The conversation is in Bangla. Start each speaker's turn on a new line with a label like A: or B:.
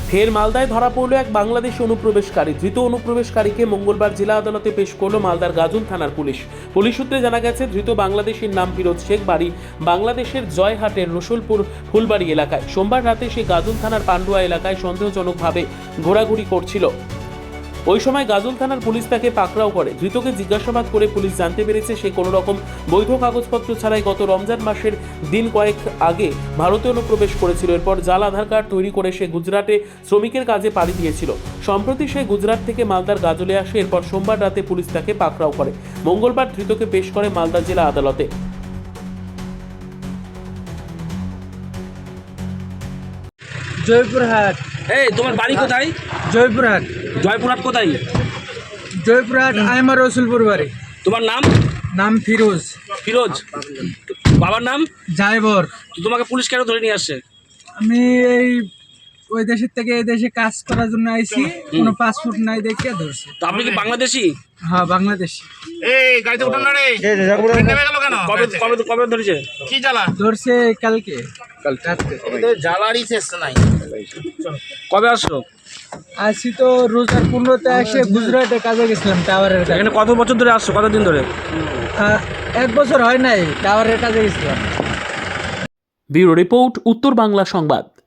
A: ফের মালদায় ধরা পড়ল এক বাংলাদেশি অনুপ্রবেশকারী। ধৃত অনুপ্রবেশকারীকে মঙ্গলবার জেলা আদালতে পেশ করল মালদার গাজল থানার পুলিশ। পুলিশ সূত্রে জানা গেছে, ধৃত বাংলাদেশির নাম ফিরোজ শেখ, বাড়ি বাংলাদেশের জয়হাটের রসুলপুর ফুলবাড়ি এলাকায়। সোমবার রাতে সে গাজল থানার পান্ডুয়া এলাকায় সন্দেহজনকভাবে ঘোরাঘুরি করছিল। ওই সময় গাজল থানার পুলিশ তাকে পাকড়াও করে। ধৃতকে জিজ্ঞাসাবাদ করে পুলিশ জানতে পেরেছে সে কোনো রকম বৈধ কাগজপত্র ছাড়াই গত রমজান মাসের দিন কয়েক আগে ভারতে অনুপ্রবেশ করেছিল। এরপর জাল আধার কার্ড তৈরি করে সে গুজরাটে শ্রমিকের কাজে পাড়ি দিয়েছিল। সম্প্রতি সে গুজরাট থেকে মালদার গাজলে আসে। এরপর সোমবার রাতে পুলিশ তাকে পাকড়াও করে। মঙ্গলবার ধৃতকে পেশ করে মালদা জেলা আদালতে।
B: জয়পুরহাট।
C: এই তোমার বাড়ি কোথায়?
B: জয়পুরহাট।
C: জয়পুরহাট কোথায়?
B: জয়পুরহাট আমার রসুলপুর বাড়ি।
C: তোমার নাম?
B: নাম ফিরোজ।
C: ফিরোজ। বাবার নাম?
B: জায়বর।
C: তো তোমাকে পুলিশ কেন ধরে নিয়ে আসছে?
B: আমি ওই দেশের থেকে এই দেশে কাজ করার জন্য আইছি, কোনো পাসপোর্ট নাই দেখে ধরছে।
C: তো আপনি কি বাংলাদেশি?
B: হ্যাঁ, বাংলাদেশি।
D: এই গাড়িতে উঠান না রে, নেমে গেল কেন?
C: কবে কবে কবে ধরেছে?
D: কি জ্বালা?
B: ধরছে কালকে রাত্রে।
D: জ্বালারই শেষ নাই।
C: কবে আসছো?
B: আসি তো রোজার 15তে এসে গুজরাটে কাজে গেছিলাম, টাওয়ারের কাজে।
C: এখানে কত বছর ধরে আসছো? কতদিন ধরে?
B: 1 বছর হয় নাই, টাওয়ারের কাজে গেছিলাম।
A: ব্যুরো রিপোর্ট, উত্তর বাংলা সংবাদ।